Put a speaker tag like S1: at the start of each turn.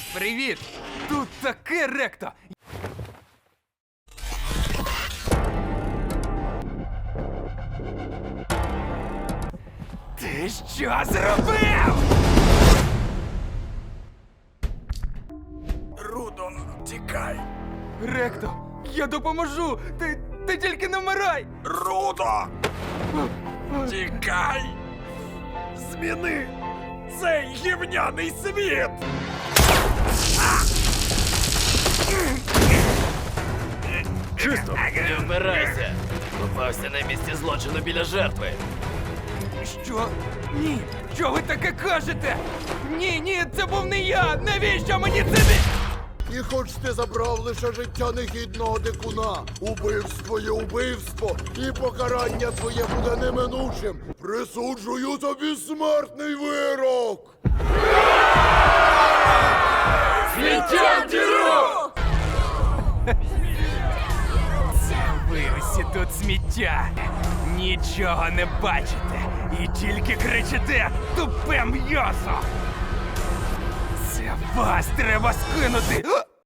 S1: Привіт! Тут таке ректо! Ти що зробив?
S2: Рудо, тікай!
S1: Ректо, я допоможу! Ти тільки не вмирай!
S2: Рудо! Тікай! Зміни цей гівняний світ!
S3: Чисто! Не вмирайся! Попався на місці злочину біля жертви.
S1: Що? Ні! Що ви таке кажете? Ні, це був не я! Навіщо мені це?
S4: І хоч ти забрав лише життя негідного дикуна, убивство є убивство, і покарання твоє буде неминучим. Присуджую тобі смертний вирок!
S1: Ви усі тут сміття! Нічого не бачите! І тільки кричите тупе м'ясо! Це вас треба скинути!